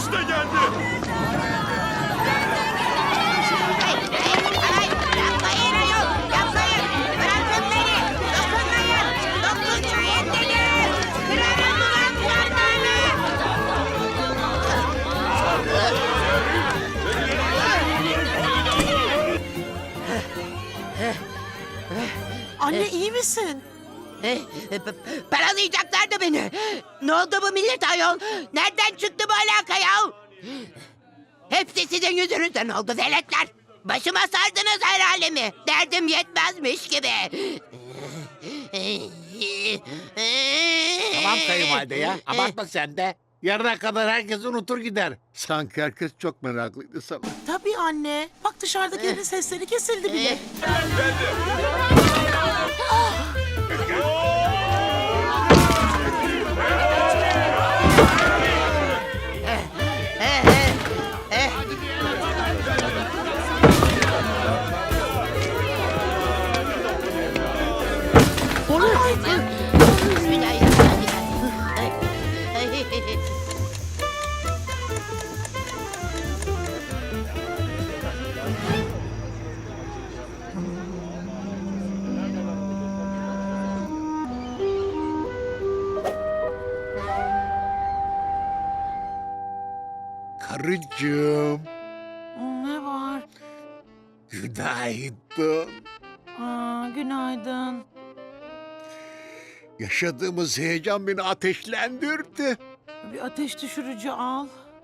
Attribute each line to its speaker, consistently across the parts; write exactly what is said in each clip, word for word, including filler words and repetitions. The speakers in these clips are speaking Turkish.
Speaker 1: İşte geldi.
Speaker 2: Yapmayın ayol, yapmayın. Bırakın beni. Dokunmayın. Dokunmayın dedim. Kırarım ulan kulaklarını.
Speaker 3: Anne iyi misin?
Speaker 2: Eh, p- Paralayacaklardı beni. Ne oldu bu millet ayol? Nereden çıktı bu alaka ya? Hepsi sizin yüzünüzden oldu veletler. Başıma sardınız her alemi. Derdim yetmezmiş gibi.
Speaker 4: Tamam kayınvalide ya. Abartma sen de. Yarına kadar herkes unutur gider. Sanki herkes çok meraklıydı sana.
Speaker 3: Tabii anne. Bak dışarıdakilerin sesleri kesildi bile.
Speaker 4: Karıcığım,
Speaker 3: Ne var?
Speaker 4: günaydın.
Speaker 3: Aa, günaydın.
Speaker 4: Yaşadığımız heyecan beni ateşlendirdi.
Speaker 3: Bir ateş düşürücü al.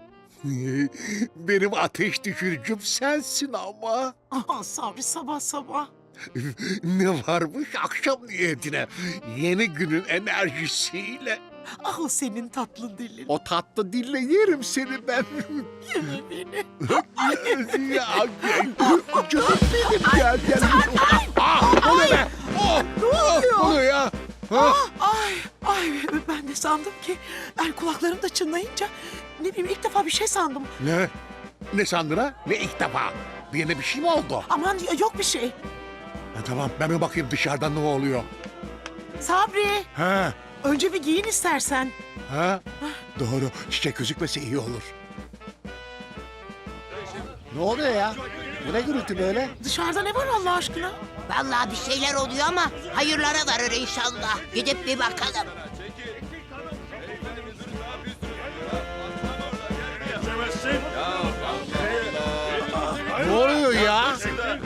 Speaker 4: Benim ateş düşürücüm sensin ama.
Speaker 3: Aa, Sabri sabah sabah.
Speaker 4: Ne varmış akşam niyetine? Yeni günün enerjisiyle.
Speaker 3: Ah o senin tatlı dilin.
Speaker 4: O tatlı dille yerim seni ben.
Speaker 3: Yeme beni.
Speaker 4: ya, canım benim gel gel. Ah, o ne be? Oh,
Speaker 3: Ne oluyor?
Speaker 4: oh, o ne ya? Ha?
Speaker 3: Ay, ay ben de sandım ki ben kulaklarım da çınlayınca ne bileyim ilk defa bir şey sandım.
Speaker 4: Ne? Ne sandın ha? Ne ilk defa? Bir yerine bir şey mi oldu?
Speaker 3: Aman yok bir şey.
Speaker 4: Ha, tamam ben bir bakayım dışarıda ne oluyor.
Speaker 3: Sabri
Speaker 4: Ha?
Speaker 3: önce bir giyin istersen.
Speaker 4: Ha? Doğru. Çiçek gözükmese iyi olur. Ne oluyor ya? Bu ne gürültü böyle?
Speaker 3: Dışarıda ne var Allah aşkına?
Speaker 2: Vallahi bir şeyler oluyor ama hayırlara varır inşallah. Gidip bir bakalım.
Speaker 4: Ne oluyor ya?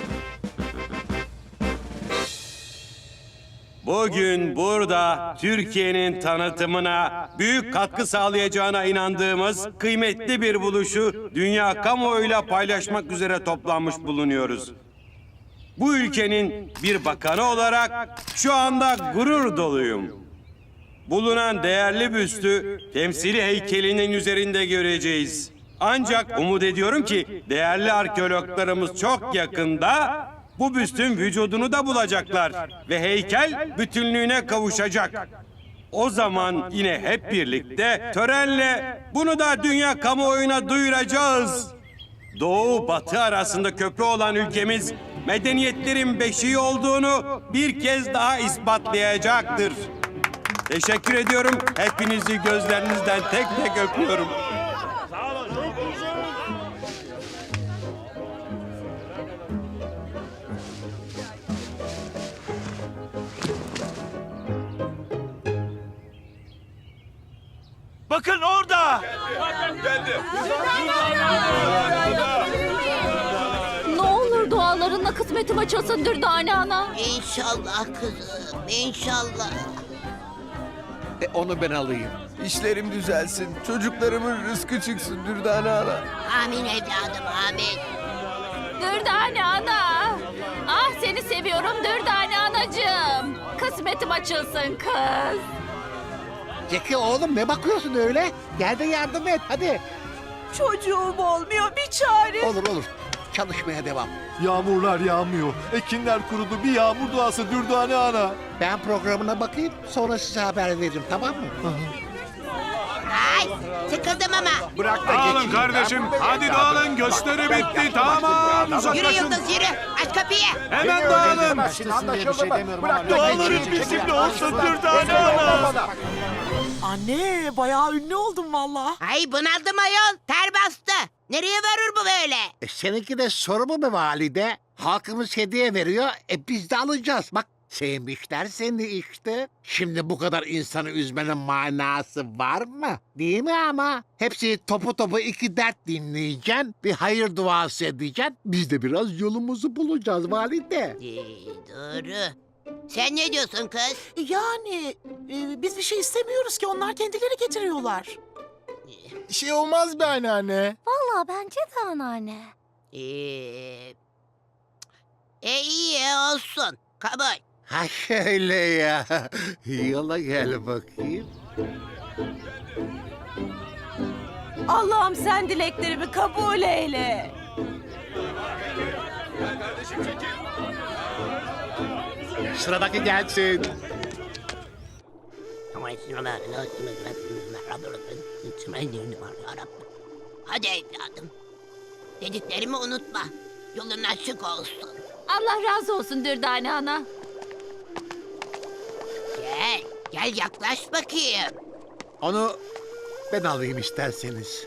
Speaker 5: Bugün burada Türkiye'nin tanıtımına büyük katkı sağlayacağına inandığımız kıymetli bir buluşu dünya kamuoyuyla paylaşmak üzere toplanmış bulunuyoruz. Bu ülkenin bir bakanı olarak şu anda gurur doluyum. Bulunan değerli büstü temsili heykelinin üzerinde göreceğiz. Ancak umut ediyorum ki değerli arkeologlarımız çok yakında bu büstün vücudunu da bulacaklar ve heykel bütünlüğüne kavuşacak. O zaman yine hep birlikte törenle bunu da dünya kamuoyuna duyuracağız. Doğu batı arasında köprü olan ülkemiz medeniyetlerin beşiği olduğunu bir kez daha ispatlayacaktır. Teşekkür ediyorum. Hepinizi gözlerinizden tek tek öpüyorum.
Speaker 1: Bakın orada. Geldi.
Speaker 6: Ne olur dualarınla kısmetim açılsın Dürdane ana.
Speaker 2: İnşallah kızım, inşallah.
Speaker 4: E, onu ben alayım.
Speaker 7: İşlerim düzelsin, çocuklarımın rızkı çıksın Dürdane ana.
Speaker 2: Amin evladım, amin.
Speaker 6: Dürdane ana. Ah seni seviyorum Dürdane anacığım. Kısmetim açılsın kız.
Speaker 4: Zeki oğlum ne bakıyorsun öyle? Gel de yardım et hadi.
Speaker 3: Çocuğum olmuyor bir çare.
Speaker 4: Olur olur. Çalışmaya devam.
Speaker 1: Yağmurlar yağmıyor. Ekinler kurudu. Bir yağmur duası Dürdane ana.
Speaker 4: Ben programına bakayım sonra size haber veririm tamam mı?
Speaker 2: Aa, Ay sıkıldım ama.
Speaker 7: Bırak da
Speaker 4: Dağılın
Speaker 7: geçeyim.
Speaker 4: kardeşim.
Speaker 7: Ben-
Speaker 4: Hadi
Speaker 7: ben-
Speaker 4: dağılın. Gösteri bitti. Tamam.
Speaker 2: Yürü
Speaker 4: Uzaklaşın.
Speaker 2: Yıldız yürü. Aç kapıyı.
Speaker 4: Hemen
Speaker 7: Beni
Speaker 4: dağılın.
Speaker 7: öldüremezsin, anlaşıldı mı? Bırak da
Speaker 1: Dağların
Speaker 7: geçeyim.
Speaker 1: bizimle olsun
Speaker 7: Beni
Speaker 1: Dürdane
Speaker 7: yorma
Speaker 1: Ana.
Speaker 7: bana.
Speaker 3: Anne bayağı ünlü oldum valla.
Speaker 2: Ay bunaldım ayol. Ter bastı. Nereye varır bu böyle?
Speaker 8: E, seninki de soru mu be valide? Halkımız hediye veriyor, e biz de alacağız. Bak sevmişler seni işte. Şimdi bu kadar insanı üzmenin manası var mı? Değil mi ama? Hepsi topu topu iki dert dinleyeceksin, bir hayır duası edeceksin. Biz de biraz yolumuzu bulacağız valide.
Speaker 2: Ee, doğru. Sen ne diyorsun kız?
Speaker 3: Yani e, biz bir şey istemiyoruz ki onlar kendileri getiriyorlar.
Speaker 7: Bir şey olmaz be anneanne.
Speaker 6: Valla bence de anneanne.
Speaker 2: Ee, e iyi olsun. Kabul.
Speaker 8: Ha şöyle ya. Yola gel bakayım.
Speaker 6: Allah'ım sen dileklerimi kabul eyle.
Speaker 8: Sıradaki gelsin.
Speaker 2: Hadi evladım. Dediklerimi unutma. Yolun açık olsun.
Speaker 6: Allah razı olsun Dürdane ana.
Speaker 2: Gel, gel yaklaş bakayım.
Speaker 8: Onu ben alayım isterseniz.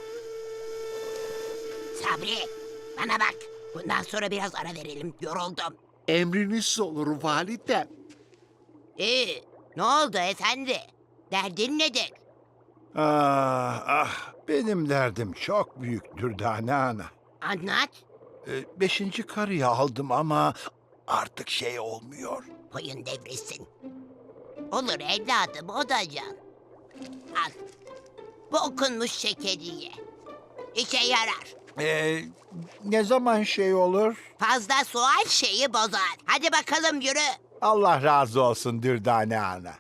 Speaker 2: Sabri, bana bak. Bundan sonra biraz ara verelim. Yoruldum.
Speaker 8: Emriniz olur valide.
Speaker 2: İyi, ne oldu efendi? Derdin nedir?
Speaker 9: Ah ah benim derdim çok büyük Dürdane Ana.
Speaker 2: Anlat.
Speaker 9: Ee, beşinci karıyı aldım ama artık şey olmuyor.
Speaker 2: Koyun devresin. Olur evladım, o da can. Al. Bu okunmuş şekeriye. İşe yarar.
Speaker 9: Ee, ne zaman şey olur?
Speaker 2: Fazla sual şeyi bozar. Hadi bakalım yürü.
Speaker 9: Allah razı olsun Dürdane Ana.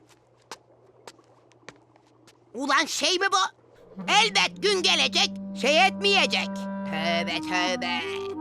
Speaker 2: Ulan şey mi bu? Elbet gün gelecek, şey etmeyecek. Tövbe tövbe.